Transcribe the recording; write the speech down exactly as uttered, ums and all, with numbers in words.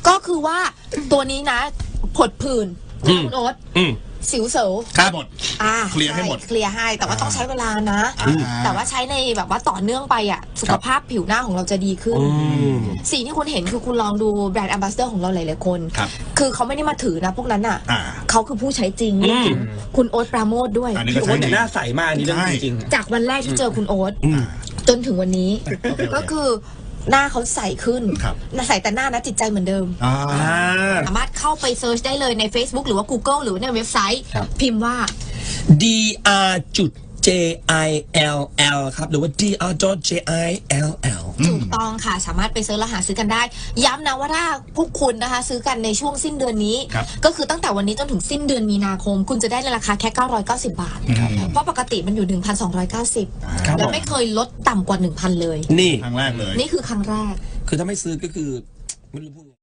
ก็คือว่าตัวนี้นะผดผื่นคุณโอ๊ตสิวเสวครับหมดอ่าเคลียร์ให้หมดเคลียร์ให้แต่ว่าต้องใช้เวลานะอ่าแต่ว่าใช้ในแบบว่าต่อเนื่องไปอ่ะสุขภาพผิวหน้าของเราจะดีขึ้นสิ่งที่คุณเห็นคือคุณลองดูแบรนด์แอมบาสเดอร์ของเราหลายๆคนครับคือเขาไม่ได้มาถือนะพวกนั้นอ่ะอ่าเขาคือผู้ใช้จริงคุณโอ๊ตปราโมทด้วยอันนี้พี่ก็โอ๊ใช่ตจริงหน้าใสมากอันนี้เรื่องจริงจากวันแรกที่เจอคุณโอ๊ตจนถึงวันนี้ ก็คือหน้าเขาใสขึ้นครับใสแต่หน้านะจิตใจเหมือนเดิมอ่าสามารถเข้าไปเซิร์ชได้เลยใน Facebook หรือว่า Google หรือว่าในเว็บไซต์ครับพิมพ์ว่า D R จุด J I L L ครับหรือว่า D R J I L L ถูกต้องค่ะสามารถไปเซิร์ชแล้วหาซื้อกันได้ ย้ำนะว่าถ้าพวกคุณนะคะซื้อกันในช่วงสิ้นเดือนนี้ครับก็คือตั้งแต่วันนี้จนถึงสิ้นเดือนมีนาคม คุณจะได้ในราคาแค่เก้าร้อยเก้าสิบบาท เพราะปกติมันอยู่ หนึ่งพันสองร้อยเก้าสิบครับแล้วไม่เคยลดต่ำกว่า หนึ่งพัน เลยนี่ครั้งแรกเลยนี่คือครั้งแรกคือถ้าไม่ซื้อก็คือไม่รู้พูดไง